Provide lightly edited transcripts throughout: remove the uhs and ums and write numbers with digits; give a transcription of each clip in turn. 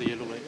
ตีลูกเลย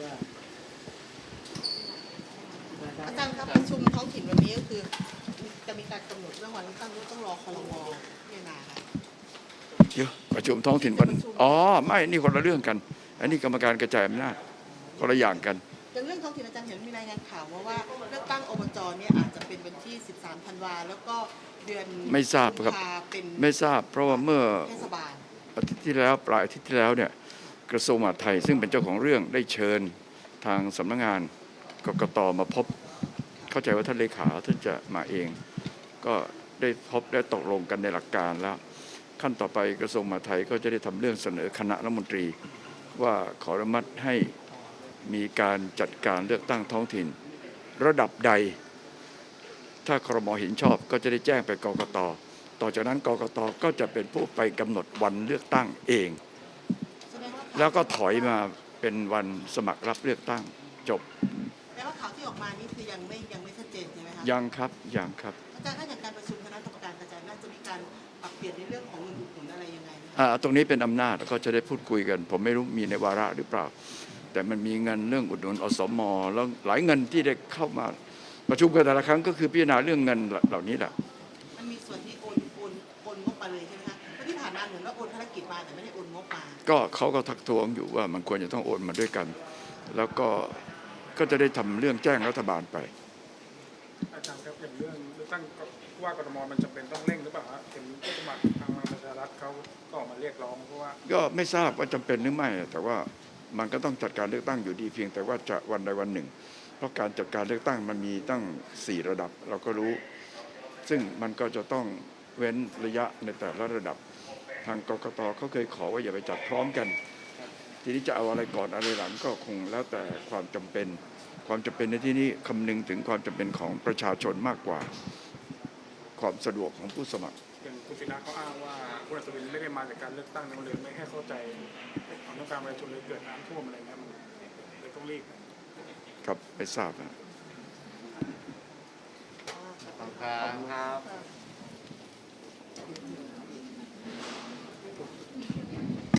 อาจารย์ครับประชุมท้องถิ่นวันนี้ก็คือจะมีการกำหนดเรื่องวันเลือกตั้งด้วยต้องรอครม.พิจารณาค่ะเดี๋ยวประชุมท้องถิ่นวันไม่นี่คนละเรื่องกันอันนี้กรรมการกระจายอำนาจคนละอย่างกันอย่างเรื่องท้องถิ่นอาจารย์เห็นมีรายงานข่าวว่าเลือกตั้งอบจเนี่ยอาจจะเป็นวันที่13 ธันวาแล้วก็เดือนไม่ทราบครับไม่ทราบเพราะว่าเมื่อเทศบาลอาทิตย์ที่แล้วปลายอาทิตย์ที่แล้วเนี่ยกระทรวงมหาดไทยซึ่งเป็นเจ้าของเรื่องได้เชิญทางสำนักงานกกต.มาพบเข้าใจว่าท่านเลขาท่านจะมาเองก็ได้พบได้ตกลงกันในหลักการแล้วขั้นต่อไปกระทรวงมหาดไทยก็จะได้ทำเรื่องเสนอคณะรัฐมนตรีว่าขออนุมัติให้มีการจัดการเลือกตั้งท้องถิ่นระดับใดถ้าครม.เห็นชอบก็จะได้แจ้งไปกกต.ต่อจากนั้นกกต.ก็จะเป็นผู้ไปกำหนดวันเลือกตั้งเองแล้วก็ถอยมาเป็นวันสมัครรับเลือกตั้งจบแปลว่าข่าวที่ออกมานี่คือยังไม่ชัดเจนใช่ไหมครับยังครับยังครับอาจารย์ถ้าอย่างการประชุมคณะกรรมการกระจายน่าจะมีการปรับเปลี่ยนในเรื่องของเงินอุดหนุนอะไรยังไงตรงนี้เป็นอำนาจก็จะได้พูดคุยกันผมไม่รู้มีในวาระหรือเปล่าแต่มันมีเงินเรื่องอุดหนุนอสม.แล้วหลายเงินที่ได้เข้ามาประชุมกันแต่ละครั้งก็คือพิจารณาเรื่องเงินเหล่านี้แหละมันมีส่วนที่โอนงบมาเลยใช่ไหมคะเพราะที่ผ่านมาเหมือนว่าโอนภารกิจมาแต่ไม่ได้โอนงบมาก็เขาก็ทักท้วงอยู่ว่ามันควรจะต้องโอนมาด้วยกันแล้วก็จะได้ทำเรื่องแจ้งรัฐบาลไปอาจารย์ครับอย่างเรื่องเลือกตั้งว่ากทมมันจำเป็นต้องเร่งหรือเปล่าเห็นผู้สมัครทางพลังประชารัฐเขาก็ออกมาเรียกร้องเพราะว่าก็ไม่ทราบว่าจำเป็นหรือไม่แต่ว่ามันก็ต้องจัดการเลือกตั้งอยู่ดีเพียงแต่ว่าจะวันใดวันหนึ่งเพราะการจัดการเลือกตั้งมันมีตั้ง4 ระดับเราก็รู้ซึ่งมันก็จะต้องเว้นระยะในแต่ละระดับทางกกต.เขาเคยขอว่าอย่าไปจัดพร้อมกันทีนี้จะเอาอะไรก่อนอะไรหลังก็คงแล้วแต่ความจำเป็นในที่นี้คำนึงถึงความจำเป็นของประชาชนมากกว่าความสะดวกของผู้สมัครอย่างคุณศิระเขาอ้างว่าคุณอัศวินไม่ได้มาจากการเลือกตั้งมันเลยไม่ให้เข้าใจความต้องการประชาชนเลยเกิดน้ำท่วมอะไรเงี้ยมันเลยต้องรีบครับไม่ทราบนะขอบคุณครับ